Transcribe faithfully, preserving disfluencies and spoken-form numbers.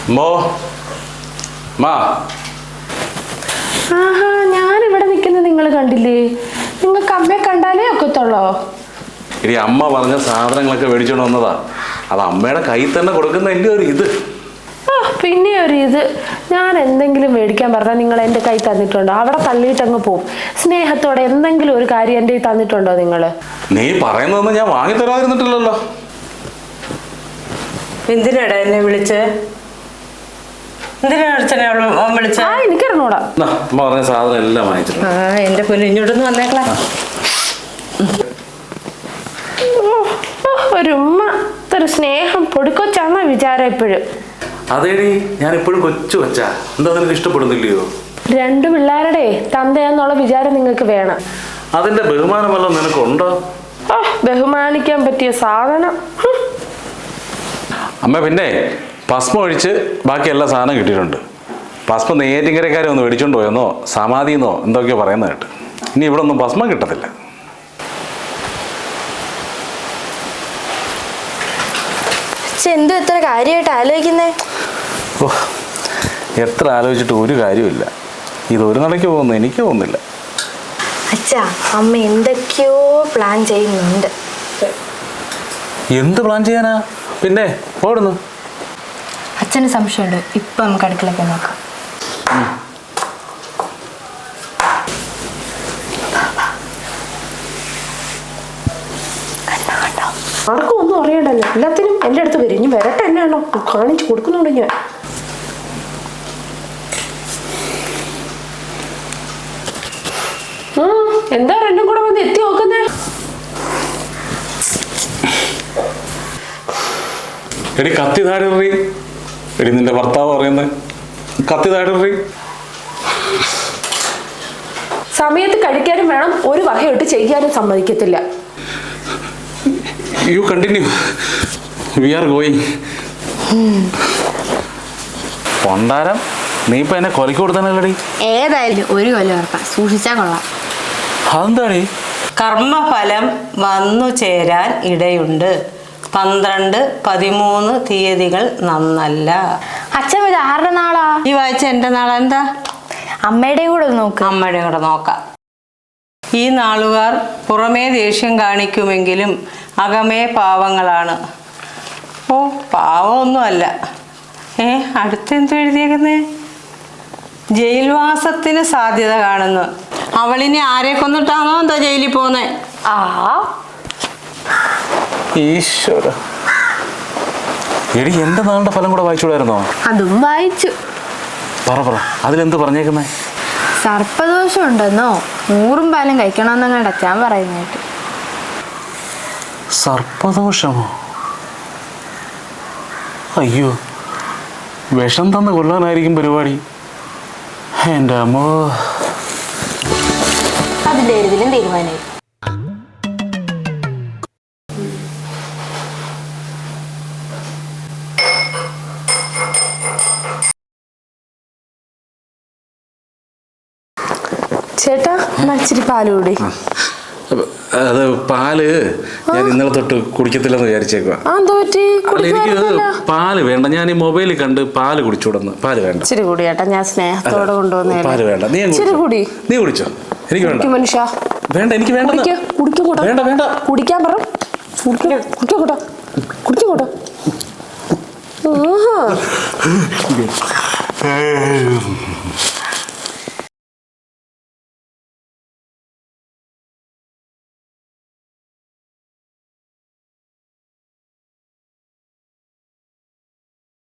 മോ മാ ആഹാ ഞാനിവിടെ നിൽക്കുന്നത് നിങ്ങൾ കണ്ടില്ലേ? നിങ്ങൾക്ക് അമ്മയെ കണ്ടാലേ ഒക്കത്തുള്ളോ? ഇനി അമ്മ പറഞ്ഞ സാധനങ്ങളൊക്കെ മേടിച്ചോണ്ട് വന്നതാ. അത് അമ്മയുടെ കയ്യിൽ തന്നെ കൊടുക്കുന്നതിൻ്റെ ഒരു ഇത്. ആ പിന്നെ ഒരു ഇത്, ഞാൻ എന്തെങ്കിലും മേടിക്കാൻ പറഞ്ഞാൽ നിങ്ങൾ എൻ്റെ കൈ തന്നിട്ടുണ്ടോ? അവിടെ തള്ളിയിട്ടങ്ങ് പോവും. സ്നേഹത്തോടെ എന്തെങ്കിലും ഒരു കാര്യം എൻ്റെ കൈ തന്നിട്ടുണ്ടോ നിങ്ങൾ? നീ പറയുന്നതൊന്നും ഞാൻ വാങ്ങി തരാതിരുന്നിട്ടില്ലല്ലോ. എന്തിനാടാ എന്നെ വിളിച്ചേ? എനിക്കറിഞ്ഞൂടാ. അമ്മ പറഞ്ഞ സാധനം എല്ലാം വാങ്ങിച്ചിട്ടുണ്ട്. ആ എന്റെ പൊന്നു ഇങ്ങോട്ടൊന്ന് വന്നേക്കളാ. ഒരു ഉമ്മ ഒരു സ്നേഹം പൊടിക്കൊച്ചാന്ന വിചാരം എപ്പോഴും. അതേടി ഞാൻ ഇപ്പോഴും കൊച്ചു കൊച്ചാ. എന്താ നിനക്ക് ഇഷ്ടപ്പെടുന്നില്ലയോ? രണ്ടു പിള്ളേരുടെ തന്തയാന്നുള്ള വിചാരം നിങ്ങൾക്ക് വേണം. അതിന്റെ ബഹുമാനമല്ലോ നിനക്കുണ്ടോ? ആ ബഹുമാനിക്കാൻ പറ്റിയ സാധനം. അമ്മ പിന്നെ ഭസ്മം ഒഴിച്ച് ബാക്കി എല്ലാ സാധനം കിട്ടിയിട്ടുണ്ട്. ഭസ്മം നെയ്യാറ്റിൻകരക്കാരെ ഒന്ന് മേടിച്ചോണ്ട് പോയെന്നോ സമാധിന്നോ എന്തൊക്കെയോ പറയുന്നത് കേട്ട്. ഇനി ഇവിടെ ഒന്നും ഭസ്മം കിട്ടത്തില്ല. എന്തും എത്ര കാര്യമായിട്ട് ആലോചിക്കുന്നേ? ഓ എത്ര ആലോചിച്ചിട്ട് ഒരു കാര്യമില്ല. ഇത് ഒരു നടയ്ക്ക് പോകുന്നു എനിക്ക് പോകുന്നില്ല. അച്ഛാ അമ്മ എന്തൊക്കെയോ പ്ലാൻ ചെയ്യുന്നുണ്ട്. എന്ത് പ്ലാൻ ചെയ്യാനാ? പിന്നെ ഓടുന്നു. അച്ഛന് സംശയമുണ്ട്. ഇപ്പൊ നമുക്ക് അടുക്കളയൊക്കെ നോക്കാം. ആർക്കും ഒന്നും അറിയണ്ടല്ലോ, എല്ലാത്തിനും എൻ്റെ അടുത്ത് വരും. ഇനി വരട്ടെ, എന്നാണോ കാണിച്ചു കൊടുക്കുന്നുണ്ട് ഞാൻ. എന്താ രണ്ടും കൂടെ വന്ന് എത്തി നോക്കുന്നേ? എടി കത്തി താഴെറി. എടി നിന്റെ ഭർത്താവ് പറയുന്നത് കത്തി താഴെറി. സമയത്ത് കഴിക്കാനും വേണം, ഒരു വകയോട്ട് ചെയ്യാനും സമ്മതിക്കത്തില്ല. You continue. We are going. പൊണ്ടാരം നീ ഇപ്പൊ എന്നെ കൊലക്ക് കൊടുത്താനല്ലടി. ഏതായാലും ഒരു കൊല്ലം ഉറപ്പാ, സൂക്ഷിച്ചാ കൊള്ളാം. അതെന്താടി? കർമ്മഫലം വന്നു ചേരാൻ ഇടയുണ്ട്. പന്ത്രണ്ട് പതിമൂന്ന് തീയതികൾ നന്നല്ല. അച്ഛൻ ഇത് ആരുടെ നാളാ? ഈ വായിച്ച എന്റെ നാളെ എന്താ? അമ്മയുടെയും കൂടെ നോക്ക്. അമ്മയുടെയും കൂടെ നോക്കാം. ഈ നാളുകാർ പുറമേ ദേഷ്യം കാണിക്കുമെങ്കിലും അകമേ പാവങ്ങളാണ്. ഓ പാവമൊന്നുമല്ല. ഏ അടുത്തെന്തോ എഴുതിയേക്കുന്നേ? ജയിൽവാസത്തിന് സാധ്യത കാണുന്നു. അവളിനി ആരെ കൊന്നിട്ടാണോ എന്താ ജയിലിൽ പോന്നേ? ആ ഈശ്വര. എടി എന്റെ നാളുടെ ഫലം കൂടെ വായിച്ചൂടായിരുന്നോ? അതും വായിച്ചു. പറ പറ അതിലെന്ത് പറഞ്ഞേക്കുന്നേ? സർപ്പദോഷം ഉണ്ടെന്നോ നൂറും പാലും കഴിക്കണമെന്നങ്ങാണ്ട് അച്ഛൻ പറയുന്നതായിട്ട്. സർപ്പദോഷമോ? അയ്യോ, വിഷം തന്ന് കൊല്ലാനായിരിക്കും പരിപാടി. എൻ്റെ അമ്മോ. അതിന്റെ ഇതിലും തീരുമാനമായി. ചേട്ടാ ഇച്ചിരി പാല് കൂടി. അത് പാല് ഞാൻ ഇന്നലെ തൊട്ട് കുടിക്കത്തില്ലെന്ന് വിചാരിച്ചേക്കുക. എനിക്ക് പാല് വേണ്ട. ഞാൻ ഈ മൊബൈലിൽ കണ്ട് പാല് കുടിച്ചോടുന്നു. പാല് വേണ്ട. ഇച്ചിരി കൂടി ചേട്ടാ, ഞാൻ സ്നേഹത്തോടെ കൊണ്ടുവന്നേ. പാല് വേണ്ട. നീ കൂടി നീ കുടിച്ചോ. എനിക്ക് വേണ്ട മനുഷ്യ. വേണ്ട എനിക്ക് വേണ്ട. വേണ്ട വേണ്ട കുടിക്കാൻ പറ. കുടിക്കോട്ടോ കുടിക്കോട്ടോ.